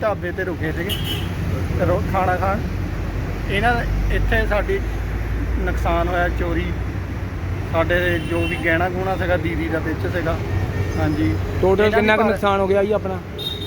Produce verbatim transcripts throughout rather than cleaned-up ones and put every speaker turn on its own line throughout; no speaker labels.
ਢਾਬੇ ਤੇ ਰੁਕੇ ਸੀਗੇ ਰੋ ਖਾਣਾ ਖਾਣ। ਇਹਨਾਂ ਇੱਥੇ ਸਾਡੀ ਨੁਕਸਾਨ ਹੋਇਆ, ਚੋਰੀ ਸਾਡੇ ਜੋ ਵੀ ਗਹਿਣਾ ਗੁਣਾ ਸੀਗਾ ਦੀਦੀ ਦਾ ਵਿੱਚ ਸੀਗਾ। ਹਾਂਜੀ
ਟੋਟਲ ਕਿੰਨਾ ਕੁ ਨੁਕਸਾਨ ਹੋ ਗਿਆ ਜੀ ਆਪਣਾ?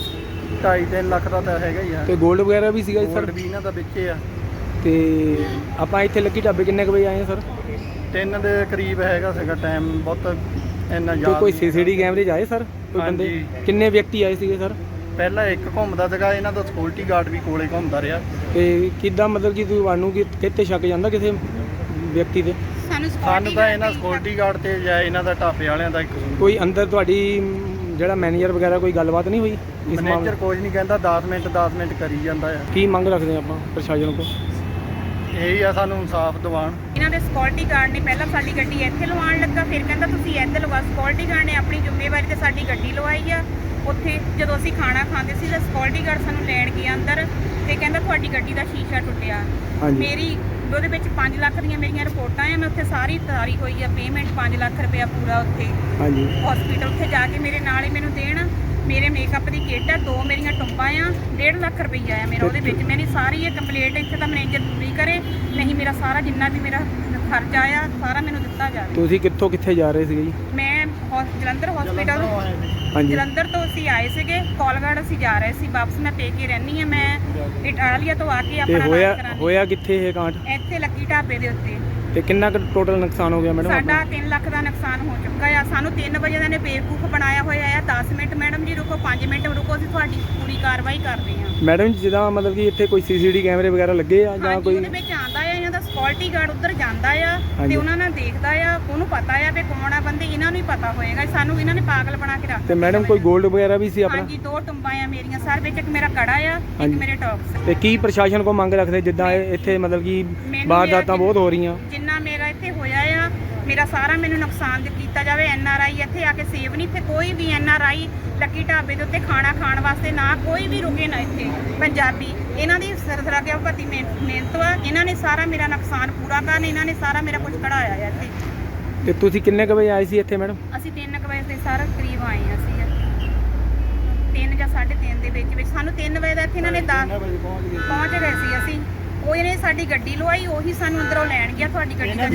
ਢਾਈ ਤਿੰਨ ਲੱਖ ਦਾ ਤਾਂ ਹੈਗਾ ਹੀ ਆ।
ਤੇ ਗੋਲਡ ਵਗੈਰਾ ਵੀ ਸੀਗਾ ਜੀ ਸਰ?
ਗੋਲਡ ਵੀ ਇਹਨਾਂ ਦਾ ਵਿੱਚ ਆ।
ਤੇ ਆਪਾਂ ਇੱਥੇ ਲੱਕੀ ਢਾਬੇ ਕਿੰਨੇ ਕੁ ਵਜੇ ਆਏ ਸਰ?
ਤਿੰਨ ਦੇ ਕਰੀਬ ਹੈਗਾ ਸੀਗਾ ਟਾਈਮ, ਬਹੁਤ ਇੰਨਾ
ਤੇ
ਯਾਦ
ਕੋਈ
ਨਹੀਂ।
ਸੀਸੀਟੀ ਕੈਮਰੇ 'ਚ ਆਏ ਸਰ ਕੋਈ ਬੰਦੇ?
ਹਾਂਜੀ।
ਕਿੰਨੇ ਵਿਅਕਤੀ ਆਏ ਸੀਗੇ ਸਰ?
ਪਹਿਲਾਂ ਇੱਕ ਘੁੰਮਦਾ ਸੀਗਾ, ਇਹਨਾਂ ਦਾ ਸਿਕਿਉਰਿਟੀ ਗਾਰਡ ਵੀ ਕੋਲੇ ਘੁੰਮਦਾ ਰਿਹਾ।
ਤੇ ਕਿੱਦਾਂ ਮਤਲਬ ਕਿ ਤੁਹਾਨੂੰ ਕਿ ਕਿਤੇ ਸ਼ੱਕ ਜਾਂਦਾ ਕਿਸੇ ਵਿਅਕਤੀ ਤੇ?
ਸਾਨੂੰ ਤਾਂ ਇਹਨਾਂ ਸਿਕਿਉਰਿਟੀ ਗਾਰਡ ਤੇ ਜਾਂ ਇਹਨਾਂ ਦਾ ਢਾਬੇ ਵਾਲਿਆਂ ਦਾ ਇੱਕ
ਕੋਈ ਅੰਦਰ ਤੁਹਾਡੀ ਜਿਹੜਾ ਮੈਨੇਜਰ ਵਗੈਰਾ ਕੋਈ ਗੱਲਬਾਤ ਨਹੀਂ ਹੋਈ ਇਸ
ਮੈਨੇਜਰ
ਮਾਮਲੇ?
ਕੁਝ ਨਹੀਂ ਕਹਿੰਦਾ, ਦਸ ਮਿੰਟ ਦਸ ਮਿੰਟ ਕਰੀ ਜਾਂਦਾ ਆ।
ਕੀ ਮੰਗ ਰੱਖਦੇ ਆਪਾਂ ਪ੍ਰਸ਼ਾਸਨ ਕੋਲ?
ਇਹੀ ਆ ਸਾਨੂੰ ਇਨਸਾਫ ਦਿਵਾਉਣ।
ਇਹਨਾਂ ਦੇ ਸਿਕਿਉਰਿਟੀ ਗਾਰਡ ਨੇ ਪਹਿਲਾਂ ਸਾਡੀ ਗੱਡੀ ਇੱਥੇ ਲਵਾਉਣ ਲੱਗਾ, ਫਿਰ ਕਹਿੰਦਾ ਤੁਸੀਂ ਇੱਥੇ ਲਵਾ। ਸਿਕਿਉਰਿਟੀ ਗਾਰਡ ਨੇ ਆਪਣੀ ਜ਼ਿੰਮੇਵਾਰੀ ਤੇ ਸਾਡੀ ਗੱਡੀ ਲਵਾਈ ਆ। ਉੱਥੇ ਜਦੋਂ ਅਸੀਂ ਖਾਣਾ ਖਾਂਦੇ ਸੀ ਤਾਂ ਸਿਕਿਉਰਿਟੀ ਗਾਰਡ ਸਾਨੂੰ ਲੈਣ ਗਿਆ ਅੰਦਰ ਤੇ ਕਹਿੰਦਾ ਤੁਹਾਡੀ ਗੱਡੀ ਦਾ ਸ਼ੀਸ਼ਾ ਟੁੱਟਿਆ। ਮੇਰੀ ਉਹਦੇ ਵਿੱਚ ਪੰਜ ਲੱਖ ਦੀਆਂ ਮੇਰੀਆਂ ਰਿਪੋਰਟਾਂ ਆ, ਮੈਂ ਉੱਥੇ ਸਾਰੀ ਤਾਰੀ ਹੋਈ ਆ ਪੇਮੈਂਟ ਪੰਜ ਲੱਖ ਰੁਪਇਆ ਪੂਰਾ ਉੱਥੇ
ਹਾਂਜੀ
ਹਸਪੀਟਲ ਉੱਥੇ ਜਾ ਕੇ ਮੇਰੇ ਨਾਲ ਹੀ ਮੈਨੂੰ ਦੇਣ। ਮੇਰੇ ਮੇਕਅਪ ਦੀ ਕਿੱਟ ਆ, ਦੋ ਮੇਰੀਆਂ ਟੁੰਬਾਂ ਆ, ਡੇਢ ਲੱਖ ਰੁਪਈਆ ਆ ਮੇਰਾ ਉਹਦੇ ਵਿੱਚ। ਮੇਰੀ ਸਾਰੀ ਇਹ ਕੰਪਲੀਟ ਇੱਥੇ ਤਾਂ ਮੈਨੇਜਰ ਪੂਰੀ ਕਰੇ, ਨਹੀਂ ਮੇਰਾ ਸਾਰਾ ਜਿੰਨਾ ਵੀ ਮੇਰਾ ਖਰਚਾ ਆ ਸਾਰਾ ਮੈਨੂੰ ਦਿੱਤਾ ਜਾਵੇ।
ਤੁਸੀਂ ਕਿੱਥੋਂ ਕਿੱਥੇ ਜਾ ਰਹੇ ਸੀਗੇ ਜੀ?
ਮੈਂ ਹੌਸ- ਜਲੰਧਰ ਹਸਪੀਟਲ
ਹਾਂਜੀ
ਜਲੰਧਰ ਤੋਂ ਅਸੀਂ ਆਏ ਸੀਗੇ, ਕੋਲਗੜ ਅਸੀਂ ਜਾ ਰਹੇ ਸੀ ਵਾਪਸ। ਮੈਂ ਪੇਕੇ ਰਹਿੰਦੀ ਆ, ਮੈਂ ਇਟਾਲੀਆ ਤੋਂ ਆ ਕੇ
ਤੇ
ਆਪਣਾ
ਹੋਇਆ
ਇਲਾਜ ਕਰਾਂਗੀ।
ਹੋਇਆ ਕਿੱਥੇ ਇਹ ਕਾਂਡ?
ਇੱਥੇ ਲੱਕੀ ਢਾਬੇ ਦੇ ਉੱਤੇ
ਤੇ ਕਿੰਨਾ ਕੁ ਟੋਟਲ ਨੁਕਸਾਨ ਹੋ ਗਿਆ ਮੈਡਮ
ਸਾਡਾ
ਆਪਣਾ?
ਤਿੰਨ ਲੱਖ ਦਾ ਨੁਕਸਾਨ ਹੋ ਚੁੱਕਾ ਆ। ਸਾਨੂੰ ਤਿੰਨ ਵਜੇ ਦਾ ਨੇ ਬੇਵਕੂਫ ਬਣਾਇਆ ਹੋਇਆ ਆ। ਦਸ ਮਿੰਟ ਮੈਡਮ ਜੀ ਰੁਕੋ, ਪੰਜ ਮਿੰਟ ਰੁਕੋ, ਅਸੀਂ ਤੁਹਾਡੀ ਪੂਰੀ ਕਾਰਵਾਈ ਕਰਦੇ ਹਾਂ।
ਮੈਡਮ ਜੀ ਜਿੱਦਾਂ ਮਤਲਬ ਕਿ ਇੱਥੇ ਕੋਈ ਸੀਸੀਟੀ ਕੈਮਰੇ ਵਗੈਰਾ ਲੱਗੇ ਆ ਜਾਂ
ਹਾਂਜੀ
ਕੋਈ?
ਉਹਦੇ ਵਿੱਚ ਆਂਦਾ ਆ, ਇਹਨਾਂ ਦਾ ਸਿਕਿਉਰਿਟੀ ਗਾਰਡ ਉੱਧਰ ਜਾਂਦਾ ਆ
ਹਾਂਜੀ।
ਤੇ ਉਹਨਾਂ ਨਾਲ ਦੇਖਦਾ ਆ, ਉਹਨੂੰ ਪਤਾ ਆ ਵੀ ਕੌਣ ਆ ਬੰਦੇ, ਇਹਨਾਂ ਨੂੰ ਹੀ ਪਤਾ ਹੋਏਗਾ। ਸਾਨੂੰ ਇਹਨਾਂ ਨੇ ਪਾਗਲ ਬਣਾ ਕੇ ਰੱਖ
ਤੇ ਮੈਡਮ ਕੋਈ ਗੋਲਡ ਵਗੈਰਾ ਵੀ ਸੀ ਆਪਣਾ?
ਹਾਂਜੀ ਦੋ ਟੁੰਬਾਂ ਆ ਮੇਰੀਆਂ ਸਰ ਵਿੱਚ, ਇੱਕ ਮੇਰਾ ਕੜਾ ਆ,
ਹਾਂਜੀ।
ਇੱਕ ਮੇਰੇ ਟੌਪਸ।
ਤੇ ਕੀ ਪ੍ਰਸ਼ਾਸਨ ਕੋ ਮੰਗ ਰੱਖਦੇ ਜਿੱਦਾਂ ਇਹ ਇੱਥੇ ਮਤਲਬ ਕਿ
ਮੈਨੂੰ
ਵਾਰਦਾਤਾਂ
ਮੇਰਾ
ਬਹੁਤ ਹੋ ਰਹੀਆਂ?
ਜਿੰਨਾ ਮੇਰਾ ਇੱਥੇ ਹੋਇਆ ਆ, ਮੇਰਾ ਸਾਰਾ ਮੈਨੂੰ ਨੁਕਸਾਨ ਦੇ ਕੀਤਾ ਜਾਵੇ। ਐਨ ਆਰ ਆਈ ਇੱਥੇ ਆ ਕੇ ਸੇਵ ਨਹੀਂ, ਇੱਥੇ ਕੋਈ ਵੀ ਐਨ ਆਰ ਆਈ ਲੱਕੀ ਢਾਬੇ ਦੇ ਉੱਤੇ ਖਾਣਾ ਖਾਣ ਵਾਸਤੇ ਨਾ ਕੋਈ ਵੀ ਰੁਕੇ ਨਾ ਇੱਥੇ। ਪੰਜਾਬੀ ਇਹਨਾਂ ਦੀ ਸਰਦਰਾ ਕੇ ਭਤੀ ਮਿਹਨਤ ਵਾ, ਇਹਨਾਂ ਨੇ ਸਾਰਾ ਮੇਰਾ ਨੁਕਸਾਨ ਪੂਰਾ ਕਰਨ, ਇਹਨਾਂ ਨੇ ਸਾਰਾ ਮੇਰਾ ਕੁਝ ਕਢਾਇਆ ਆ ਇੱਥੇ।
ਤੇ ਤੁਸੀਂ ਕਿੰਨੇ ਕੁ ਵਜੇ ਆਏ ਸੀ ਇੱਥੇ ਮੈਡਮ?
ਅਸੀਂ ਤਿੰਨ ਕੁ ਵਜੇ ਦੇ ਸਾਰਾ ਕਰੀਬ ਆਏ ਹਾਂ ਅਸੀਂ ਤਿੰਨ ਜਾਂ ਸਾਢੇ ਤਿੰਨ ਦੇ ਵਿੱਚ ਵਿੱਚ। ਸਾਨੂੰ ਤਿੰਨ ਵਜੇ ਦਾ ਇੱਥੇ ਇਹਨਾਂ ਨੇ ਦਸ ਪਹੁੰਚ ਗਏ ਸੀ ਅਸੀਂ। ਉਹ ਇਹਨੇ ਸਾਡੀ ਗੱਡੀ ਲਵਾਈ, ਉਹੀ ਸਾਨੂੰ ਅੰਦਰੋਂ ਲੈਣ ਗਿਆ। ਤੁਹਾਡੀ ਗੱਡੀ ਦਾ